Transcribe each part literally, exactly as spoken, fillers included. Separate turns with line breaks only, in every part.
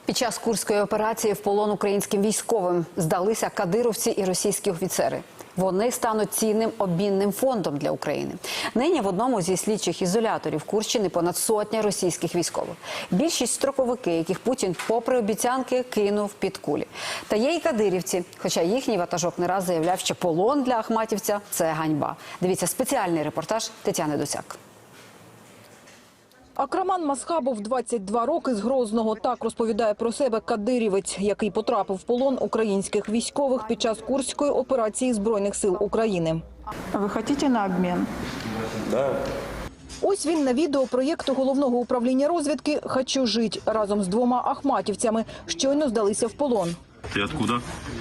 Під час курської операції в полон українським військовим здалися кадировці і російські офіцери. Вони стануть цінним обмінним фондом для України. Нині в одному зі слідчих ізоляторів Курщини понад сотня російських військових. Більшість строковики, яких Путін, попри обіцянки, кинув під кулі. Та є й кадирівці, хоча їхній ватажок не раз заявляв, що полон для ахматівця – це ганьба. Дивіться спеціальний репортаж Тетяни Досяк.
Акраман Масхабов, двадцять два роки, з Грозного. Так розповідає про себе кадирівець, який потрапив в полон українських військових під час Курської операції Збройних сил України.
Ви хочете на обмін?
Да.
Ось він на відео проєкту Головного управління розвідки «Хочу жить» разом з двома ахматівцями. Щойно здалися в полон.
Ты откуда?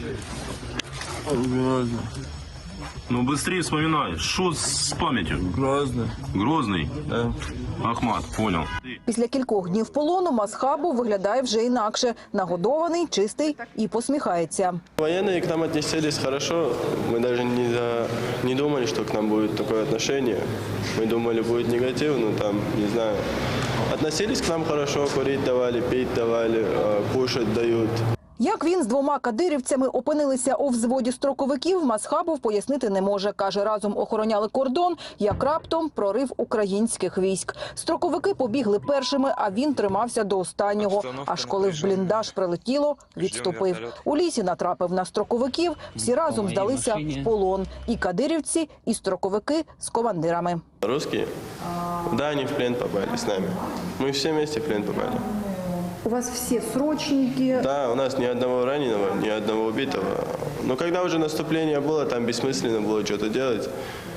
Грозный.
Ну быстрее вспоминай. Что с памятью?
Грозный.
Грозный?
Да.
Ахмат, понял.
Після кількох днів полону Масхабов виглядає вже інакше. Нагодований, чистий і посміхається.
Военные к нам отнеслись хорошо. Мы даже не, за... не думали, что к нам будет такое отношение. Мы думали, будет негатив, но там, не знаю. Относились к нам хорошо, курить давали, пить давали, кушать дают.
Як він з двома кадирівцями опинилися у взводі строковиків, Масхабов пояснити не може. Каже, разом охороняли кордон, як раптом прорив українських військ. Строковики побігли першими, а він тримався до останнього. Аж коли в бліндаж прилетіло, відступив. У лісі натрапив на строковиків, всі разом здалися в полон. І кадирівці, і строковики з командирами.
Русские? Да, они в плен попали с нами. Мы все вместе в плен попали.
У вас все срочники.
Да, у нас ни одного раненого, ни одного убитого. Но когда уже наступление было, там бессмысленно было что-то делать.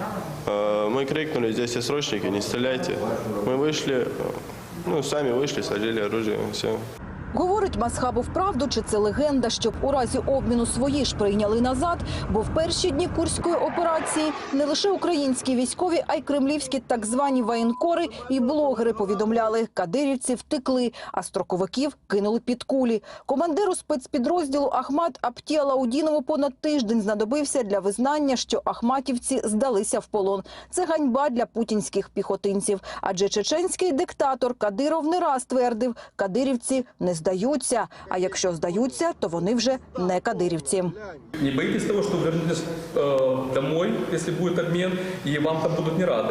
Мы крикнули, здесь все срочники, не стреляйте. Мы вышли, ну, сами вышли, сложили оружие, все.
Говорить Масхабов правду, чи це легенда, щоб у разі обміну свої ж прийняли назад, бо в перші дні Курської операції не лише українські військові, а й кремлівські так звані воєнкори і блогери повідомляли, кадирівці втекли, а строковиків кинули під кулі. Командиру спецпідрозділу Ахмат Аптіалаудінову понад тиждень знадобився для визнання, що ахматівці здалися в полон. Це ганьба для путінських піхотинців, адже чеченський диктатор Кадиров не раз твердив, кадирівці не здаються, а якщо здаються, то вони вже не кадирівці.
Не боитесь того, что вернетесь э, домой, если будет обмен, и вам там будут не рады?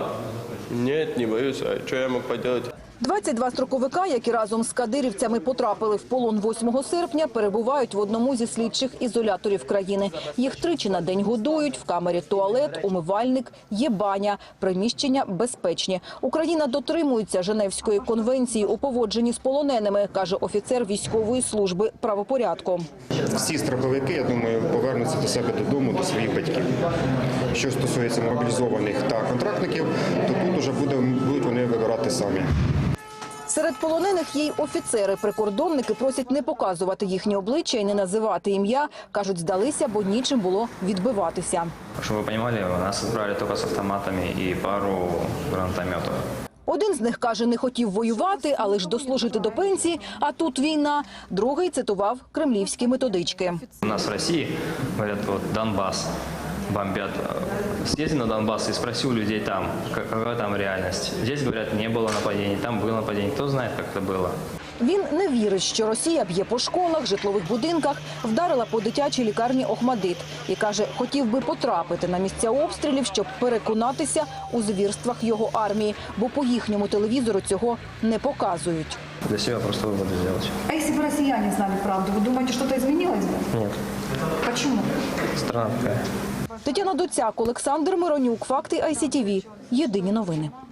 Нет, не боюсь. А что я мог поделать?
двадцять два строковика, які разом з кадирівцями потрапили в полон восьмого серпня, перебувають в одному зі слідчих ізоляторів країни. Їх тричі на день годують, в камері туалет, умивальник, є баня, приміщення безпечні. Україна дотримується Женевської конвенції у поводженні з полоненими, каже офіцер військової служби правопорядку.
Всі строковики, я думаю, повернуться до себе додому, до своїх батьків. Що стосується мобілізованих та контрактників, то тут вже будуть вони вибирати самі.
Серед полонених є й офіцери. Прикордонники просять не показувати їхні обличчя і не називати ім'я. Кажуть, здалися, бо нічим було відбиватися.
Щоб ви розуміли, нас відправили тільки з автоматами і пару гранатометів.
Один з них, каже, не хотів воювати, а лише дослужити до пенсії, а тут війна. Другий цитував кремлівські методички.
У нас в Росії, говорять, от Донбас бомбят. Съезди на Донбасс и спроси у людей там, какая там реальность. Здесь, говорят, не было нападений, там было нападение. Кто знает, как это было.
Він не вірить, що Росія б'є по школах, житлових будинках, вдарила по дитячій лікарні Охмадит. І каже, хотів би потрапити на місця обстрілів, щоб переконатися у звірствах його армії. Бо по їхньому телевізору цього не показують.
Для себе просто выводы сделать.
А если бы россияне знали правду, вы думаете, что-то изменилось бы?
Нет.
Почему?
Страна такая.
Тетяна Доцяк, Олександр Миронюк, Факти ай сі ті ві. Єдині новини.